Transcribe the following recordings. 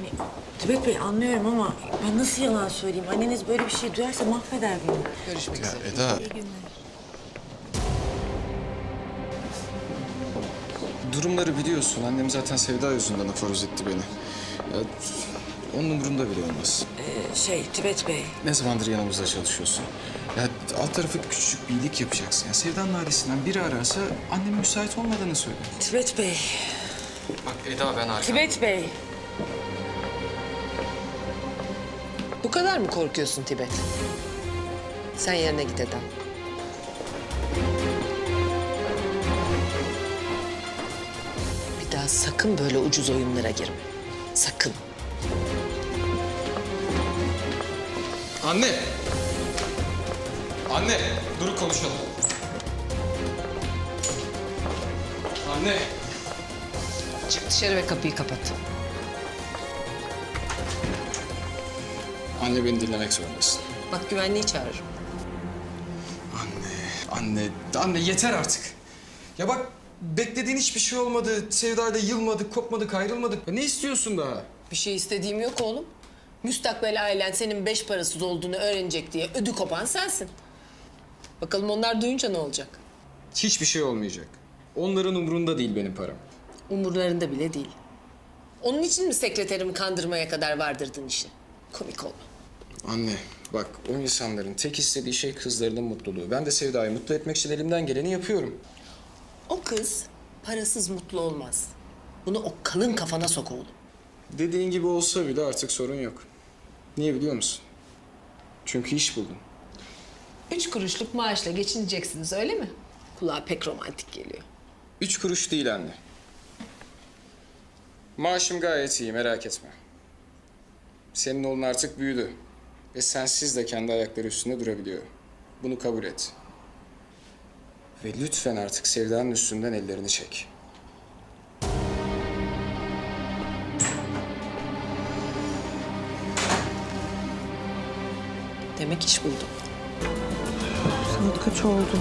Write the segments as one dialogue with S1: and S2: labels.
S1: Tibet Bey anlıyorum ama ben nasıl yalan söyleyeyim? Anneniz böyle bir şey duyarsa mahveder beni.
S2: Görüşmek üzere.
S3: Eda,
S1: İyi günler.
S3: durumları biliyorsun. Annem zaten Sevda yüzünden aforoz etti beni. Ya, onun umurunda bile olmaz.
S1: Tibet Bey.
S3: Ne zamandır yanımızda çalışıyorsun? Ya alt tarafı küçücük bir iyilik yapacaksın. Ya Sevda'nın ailesinden biri ararsa annemin müsait olmadığını söyle.
S1: Tibet Bey.
S3: Bak Eda ben arkam.
S1: Tibet Bey.
S2: Bu kadar mı korkuyorsun Tibet? Sen yerine git Eda. Bir daha sakın böyle ucuz oyunlara girme. Sakın.
S3: Anne! Anne! Dur konuşalım. Anne!
S2: Çık dışarı ve kapıyı kapat.
S3: Anne beni dinlemek zorundasın.
S2: Bak güvenliği çağırırım.
S3: Anne yeter artık. Ya bak beklediğin hiçbir şey olmadı. Sevdayla yılmadık, kopmadık, ayrılmadık. Ya ne istiyorsun daha?
S2: Bir şey istediğim yok oğlum. Müstakbel ailen senin 5 parasız olduğunu öğrenecek diye ödü kopan sensin. Bakalım onlar duyunca ne olacak?
S3: Hiçbir şey olmayacak. Onların umurunda değil benim param.
S2: Umurlarında bile değil. Onun için mi sekreterimi kandırmaya kadar vardırdın işi? Komik olma.
S3: Anne bak o insanların tek istediği şey kızlarının mutluluğu. Ben de Sevda'yı mutlu etmek için elimden geleni yapıyorum.
S2: O kız parasız mutlu olmaz. Bunu o kalın kafana sok oğlum.
S3: Dediğin gibi olsa bile artık sorun yok. Niye biliyor musun? Çünkü iş buldum.
S2: 3 kuruşluk maaşla geçineceksiniz öyle mi? Kulağa pek romantik geliyor.
S3: 3 kuruş değil anne. Maaşım gayet iyi merak etme. Senin oğlun artık büyüdü. Ve sensiz de kendi ayakları üstünde durabiliyor. Bunu kabul et. Ve lütfen artık Sevda'nın üstünden ellerini çek.
S2: Demek iş buldum.
S1: Saat kaç oldu?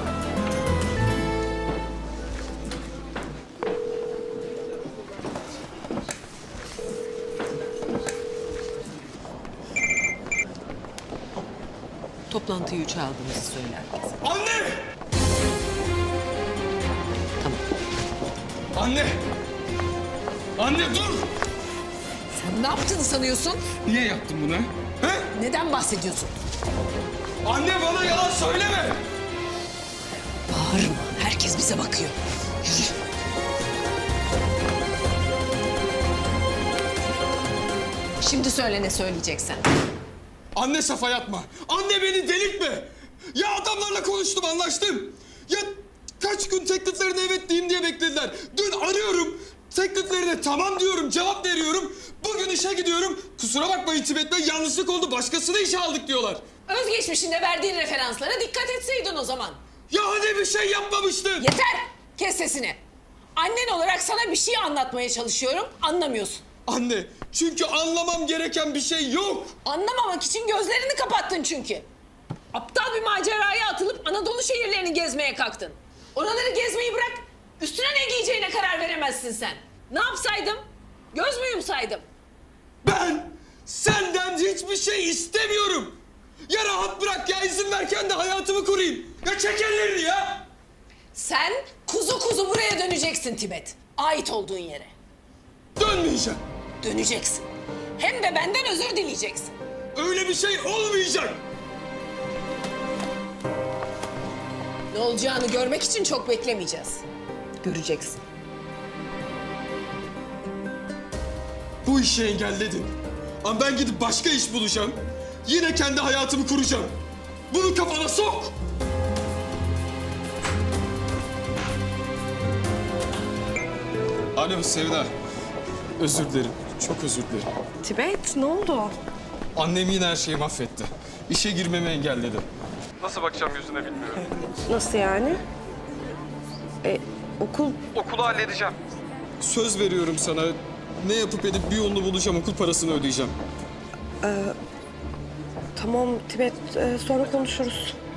S2: Toplantıyı 3'e aldığınızı söyle herkese.
S3: Anne!
S2: Tamam.
S3: Anne! Anne dur!
S2: Sen ne yaptığını sanıyorsun?
S3: Niye yaptın bunu? He?
S2: Neden bahsediyorsun?
S3: Anne bana yalan söyleme!
S2: Bağırma. Herkes bize bakıyor. Yürü. Şimdi söyle ne söyleyeceksen.
S3: Anne safa yatma. Anne beni delirtme. Ya adamlarla konuştum, anlaştım. Ya kaç gün tekliflerine evet diyeyim diye beklediler. Dün arıyorum. Tekliflerine tamam diyorum, cevap veriyorum. Bugün işe gidiyorum. Kusura bakmayın Tibet Bey, yanlışlık oldu. Başkasını işe aldık diyorlar.
S2: Özgeçmişinde verdiğin referanslara dikkat etseydin o zaman.
S3: Ya hani bir şey yapmamıştın?
S2: Yeter! Kes sesini. Annen olarak sana bir şey anlatmaya çalışıyorum, anlamıyorsun.
S3: Anne, çünkü anlamam gereken bir şey yok.
S2: Anlamamak için gözlerini kapattın çünkü. Aptal bir maceraya atılıp Anadolu şehirlerini gezmeye kalktın. Oraları gezmeyi bırak, üstüne ne giyeceğine karar veremezsin sen. Ne yapsaydım? Göz mü yumsaydım?
S3: Ben senden hiçbir şey istemiyorum. Ya rahat bırak ya, izin ver kendi hayatımı kurayım. Ya çek ellerini ya.
S2: Sen kuzu kuzu buraya döneceksin Tibet. Ait olduğun yere.
S3: Dönmeyeceğim.
S2: Döneceksin. Hem de benden özür dileyeceksin.
S3: Öyle bir şey olmayacak.
S2: Ne olacağını görmek için çok beklemeyeceğiz. Göreceksin.
S3: Bu işi engelledin. Ama ben gidip başka iş bulacağım. Yine kendi hayatımı kuracağım. Bunu kafana sok. Alo Sevda. Özür dilerim. Çok özür dilerim.
S1: Tibet ne oldu?
S3: Annem yine her şeyi mahvetti. İşe girmemi engelledi.
S4: Nasıl bakacağım yüzüne bilmiyorum.
S1: Nasıl yani? Okul
S4: Okulu halledeceğim.
S3: Söz veriyorum sana. Ne yapıp edip bir yolunu bulacağım. Okul parasını ödeyeceğim.
S1: tamam Tibet sonra konuşuruz.